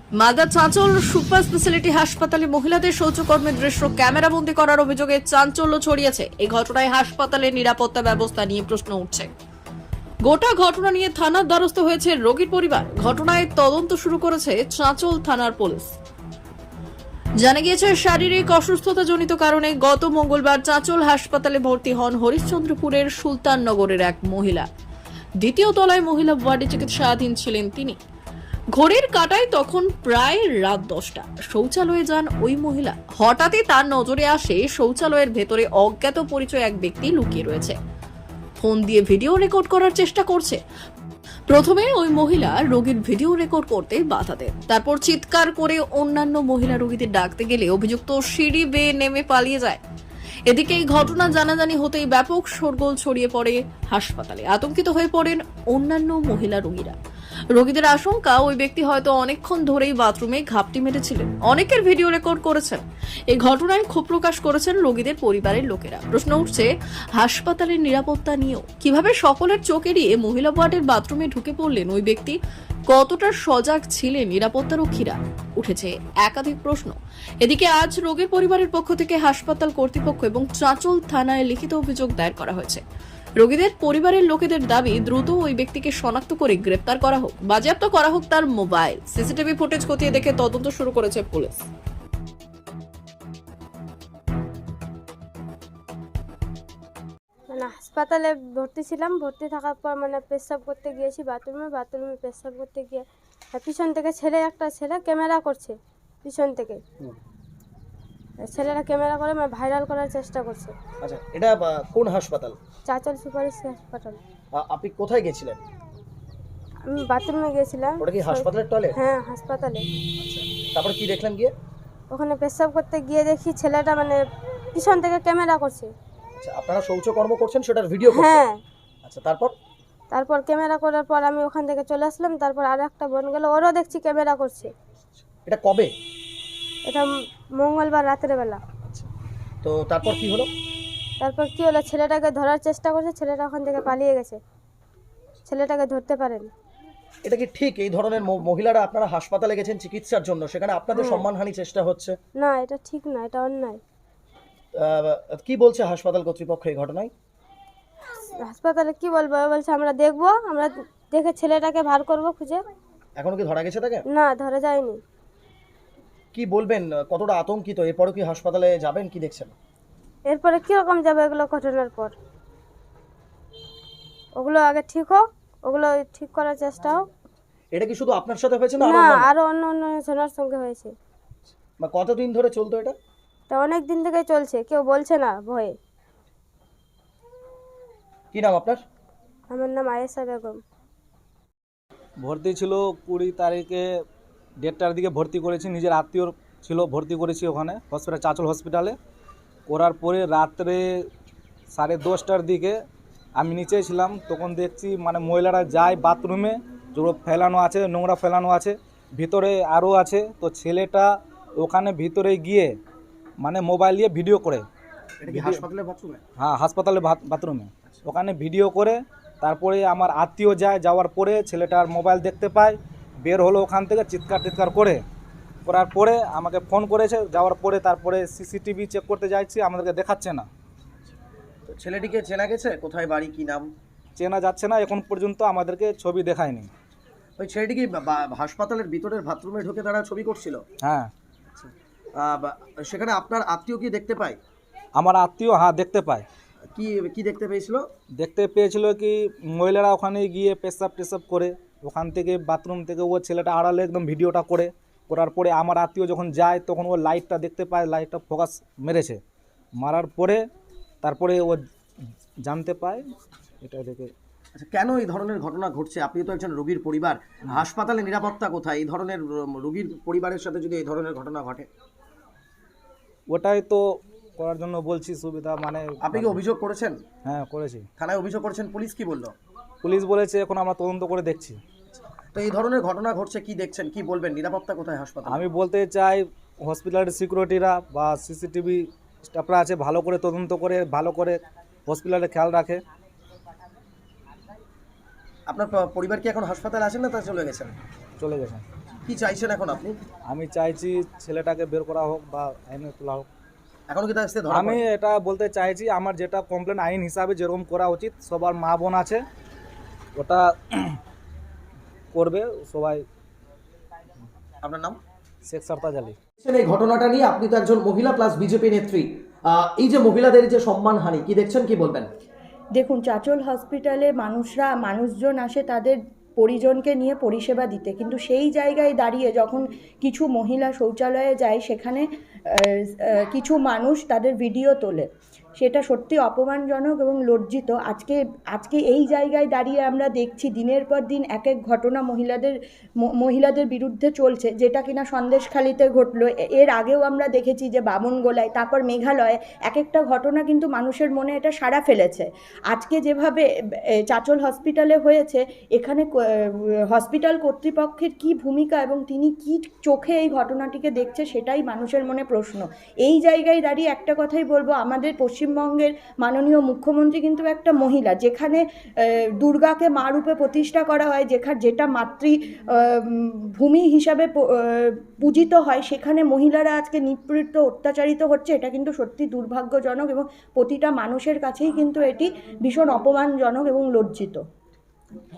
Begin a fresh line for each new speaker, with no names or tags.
Malda Chanchal super speciality হাসপাতালে মহিলাদের শৌচকর্মের দৃশ্য ক্যামেরাবন্দি করার অভিযোগে চাঞ্চল্য ছড়িয়েছে। এই ঘটনায় হাসপাতালের নিরাপত্তা ব্যবস্থা নিয়ে প্রশ্ন উঠছে। গোটা ঘটনা নিয়ে থানার দ্বারস্থ হয়েছে রোগীর পরিবার। ঘটনায় তদন্ত শুরু করেছে চাঁচল থানার পুলিশ। জানা গিয়েছে, শারীরিক অসুস্থতাজনিত কারণে গত মঙ্গলবার চাঁচল হাসপাতালে ভর্তি হন হরিশ্চন্দ্রপুরের সুলতাননগরের এক মহিলা। দ্বিতীয় তলায় মহিলা ওয়ার্ডে চিকিৎসাধীন ছিলেন তিনি। ঘড়ির কাঁটায় তখন প্রায় রাত 10টা। শৌচালয়ে যান ওই মহিলা। হঠাৎই তার নজরে আসে শৌচালয়ের ভেতরে অজ্ঞাত পরিচয় এক ব্যক্তি লুকিয়ে রয়েছে। ফোন দিয়ে ভিডিও রেকর্ড করার চেষ্টা করছে। প্রথমে ওই মহিলা রোগীর ভিডিও রেকর্ড করতে বাধা দেন। তারপর চিৎকার করে অন্যান্য মহিলা রোগীদের ডাকতে গেলে অভিযুক্ত সিঁড়ি বেয়ে নেমে পালিয়ে যায়। এদিকে এই ঘটনা জানাজানি হতেই ব্যাপক শোরগোল ছড়িয়ে পড়ে হাসপাতালে। আতঙ্কিত হয়ে পড়েন অন্যান্য মহিলা রোগীরা। রোগীদের আশঙ্কা, ওই ব্যক্তি হয়তো অনেকক্ষণ ধরেই বাথরুমে ঘাপটি মেরেছিলেন। অনেকের ভিডিও রেকর্ড করেছেন। এই ঘটনায় ক্ষোভ প্রকাশ করেছেন রোগীদের পরিবারের লোকেরা। প্রশ্ন উঠছে হাসপাতালের নিরাপত্তা নিয়েও। কিভাবে সকলের চোখ এড়িয়ে মহিলা ওয়ার্ডের বাথরুমে ঢুকে পড়লেন ওই ব্যক্তি? কতটা সজাগ ছিলেন নিরাপত্তারক্ষীরা? উঠেছে একাধিক প্রশ্ন। এদিকে আজ রোগীর পরিবারের পক্ষ থেকে হাসপাতাল কর্তৃপক্ষ এবং চাঁচল থানায় লিখিত অভিযোগ দায়ের করা হয়েছে। রোগীদের পরিবারের লোকেদের দাবি, দ্রুত ওই ব্যক্তিকে শনাক্ত করে গ্রেপ্তার করা হোক, বাজেয়াপ্ত করা হোক তার মোবাইল। সিসিটিভি ফুটেজ খতিয়ে দেখে তদন্ত শুরু করেছে পুলিশ।
হাসপাতালে ভর্তি ছিলাম। ভর্তি থাকার পর পেশাব করতে গিয়েছি বাথরুমে পেশাব করতে গিয়ে পিছন থেকে একটা ছেলে ক্যামেরা করছে। পিছন থেকে ছেলেরা ক্যামেরা করে ভাইরাল করার চেষ্টা করছে।
আচ্ছা, এটা কোন হাসপাতাল?
চাঁচল সুপার হাসপাতাল।
আপনি কোথায় গেছিলেন?
আমি বাথরুমে গিয়েছিলাম।
ওটা কি হাসপাতালের টয়লেট?
হ্যাঁ, হাসপাতালে।
তারপরে কি দেখলেন গিয়ে?
ওখানে পেশাব করতে গিয়ে দেখি ছেলেটা পিছন থেকে ক্যামেরা করছে।
আচ্ছা, আপনারা শৌচকর্ম করছেন, সেটার ভিডিও করছেন?
হ্যাঁ।
আচ্ছা, তারপর
ক্যামেরা করার পর আমি ওখান থেকে চলে আসলাম। তারপর আর একটা বোন গেল, ওরও দেখছি ক্যামেরা করছে।
এটা কবে?
এটা মঙ্গলবার রাতের বেলা।
আচ্ছা, তো তারপর কি হলো?
তারপর কি হলো, ছেলেটাকে ধরার চেষ্টা করছে। ছেলেটা ওখান থেকে পালিয়ে গেছে। ছেলেটাকে ধরতে পারেন।
এটা কি ঠিক এই ধরনের মহিলারা আপনারা হাসপাতালে গেছেন চিকিৎসার জন্য, সেখানে আপনাদের সম্মানহানি চেষ্টা হচ্ছে?
না, এটা ঠিক না, এটা অন্যায়।
কি বলছে হাসপাতাল কর্তৃপক্ষ এই ঘটনায়?
হাসপাতালে কি বলবো, বলছে আমরা দেখবো, আমরা দেখে ছেলেটাকে বার করবো খুঁজে।
এখনো কি ধরা গেছে তাকে?
না, ধরা যায়নি।
কি বলবেন, কতটা আতঙ্কিত? এরপরও কি হাসপাতালে যাবেন? কি দেখছেন?
এরপরে কিরকম যাবে এগুলো ঘটনার পর? ওগুলো আগে ঠিক হোক, ওগুলো ঠিক করার চেষ্টা হোক।
এটা কি শুধু আপনার সাথে হয়েছে না
না, আরো অন্য অন্য জনের সঙ্গে হয়েছে।
বা কতদিন ধরে চলতো এটা?
এটা অনেক দিন থেকেই চলছে, কেউ বলছে না ভয়ে।
কি নাম আপনার?
আমার নাম আয়েশা বেগম।
ভর্তি ছিল 20 তারিখে 1:30টার দিকে ভর্তি করেছি। নিজের আত্মীয় ছিল, ভর্তি করেছি ওখানে হসপিটাল, চাঁচল হসপিটালে। করার পরে রাত্রে 10:30টার দিকে আমি নিচে ছিলাম। তখন দেখছি মহিলারা যায় বাথরুমে, যেগুলো ফেলানো আছে, নোংরা ফেলানো আছে, ভিতরে আরও আছে। তো ছেলেটা ওখানে ভিতরে গিয়ে মোবাইল দিয়ে ভিডিও করে।
এটা কি হাসপাতালের বাথরুমে?
হ্যাঁ, হাসপাতালে বাথরুমে। ওখানে ভিডিও করে তারপরে আমার আত্মীয় যাওয়ার পরে ছেলেটার মোবাইল দেখতে পায়, বের হলো ওখান থেকে চিৎকার করার পরে আমাকে ফোন করেছে। যাওয়ার পরে তারপরে সিসিটিভি চেক করতে যাচ্ছি, আমাদেরকে দেখাচ্ছে না।
তো ছেলেটিকে চেনা গেছে? কোথায় বাড়ি, কি নাম?
চেনা যাচ্ছে না, এখন পর্যন্ত আমাদেরকে ছবি দেখায়নি।
ওই ছেলেটি কি হাসপাতালের ভিতরের বাথরুমে ঢুকে তারা ছবি করছিল?
হ্যাঁ।
সেখানে আপনার আত্মীয় কি দেখতে পায়?
আমার আত্মীয় হ্যাঁ দেখতে পায়।
কি কি দেখতে পেয়েছিল?
দেখতে পেয়েছিল কি মহিলারা ওখানে গিয়ে পেশাব করে, ওখান থেকে বাথরুম থেকে ও ছেলেটা আড়ালে একদম ভিডিওটা করার পরে আমার আত্মীয় যখন যায় তখন ও লাইটটা দেখতে পায়, লাইটটা ফোকাস মেরেছে। মারার পরে তারপরে ও জানতে পায় এটা দেখে।
আচ্ছা, কেন এই ধরনের ঘটনা ঘটছে? আপনি তো একজন রোগীর পরিবার, হাসপাতালে নিরাপত্তা কোথায়? এই ধরনের রোগীর পরিবারের সাথে যদি এই ধরনের ঘটনা ঘটে?
ওটাই তো করার জন্য বলছি, সুবিধা
আপনি কি অভিযোগ করেছেন?
হ্যাঁ, করেছি।
থানায় অভিযোগ করেছেন, পুলিশ কি বললো?
পুলিশ বলেছে এখন আমরা তদন্ত করে দেখছি।
তো এই ধরনের ঘটনা ঘটছে, কি দেখছেন, কি বলবেন? নিরাপত্তা কোথায় হাসপাতালে?
আমি বলতে চাই হসপিটালের সিকিউরিটিরা বা সিসিটিভি স্টাফরা আছে, ভালো করে তদন্ত করে ভালো করে হসপিটালে খেয়াল রাখে।
আপনার পরিবার কি এখন হাসপাতালে আছেন না তা চলে গেছেন?
চলে গেছেন।
কি চাইছেন এখন আপনি?
আমি চাইছি ছেলেটাকে বের করা হোক বা আইনে তোলা হোক।
এখনো কি তার ধরা
আমি
পড়েনি?
এটা বলতে চাইছি, আমার যেটা কমপ্লেন আইন হিসাবে যেরকম করা উচিত, সবার মা বোন আছে, ওটা করবে সবাই।
আপনার নাম?
শেখ সরতাজ আলী।
এই ঘটনাটা নিয়ে আপনি তো একজন মহিলা প্লাস বিজেপি নেত্রী, এই যে মহিলাদের যে সম্মানহানি কি দেখছেন, কি বলবেন?
দেখুন, চাচল হসপিটালে মানুষজন আসে তাদের পরিজনকে নিয়ে পরিষেবা দিতে, কিন্তু সেই জায়গায় দাঁড়িয়ে যখন কিছু মহিলা শৌচালয়ে যায়, সেখানে কিছু মানুষ তাদের ভিডিও তোলে, সেটা সত্যি অপমানজনক এবং লজ্জিত। আজকে এই জায়গায় দাঁড়িয়ে আমরা দেখছি দিনের পর দিন এক এক ঘটনা মহিলাদের বিরুদ্ধে চলছে, যেটা কিনা সন্দেশখালিতে ঘটলো। এর আগেও আমরা দেখেছি যে বামনগোলায়, তারপর মেঘালয়ে এক একটা ঘটনা কিন্তু মানুষের মনে এটা সাড়া ফেলেছে। আজকে যেভাবে চাচল হসপিটালে হয়েছে, এখানে হসপিটাল কর্তৃপক্ষের কি ভূমিকা এবং তিনি কি চোখে এই ঘটনাটিকে দেখছে, সেটাই মানুষের মনে প্রশ্ন। এই জায়গায় দাঁড়িয়ে একটা কথাই বলবো, আমাদের পশ্চিমবঙ্গের মাননীয় মুখ্যমন্ত্রী কিন্তু একটা মহিলা, যেখানে দুর্গাকে মা রূপে প্রতিষ্ঠা করা হয়, যেটা ভূমি হিসাবে পূজিত হয়, সেখানে মহিলারা আজকে নিপীড়িত, অত্যাচারিত হচ্ছে। এটা কিন্তু সত্যি দুর্ভাগ্যজনক এবং প্রতিটা মানুষের কাছেই কিন্তু এটি ভীষণ অপমানজনক এবং লজ্জিত।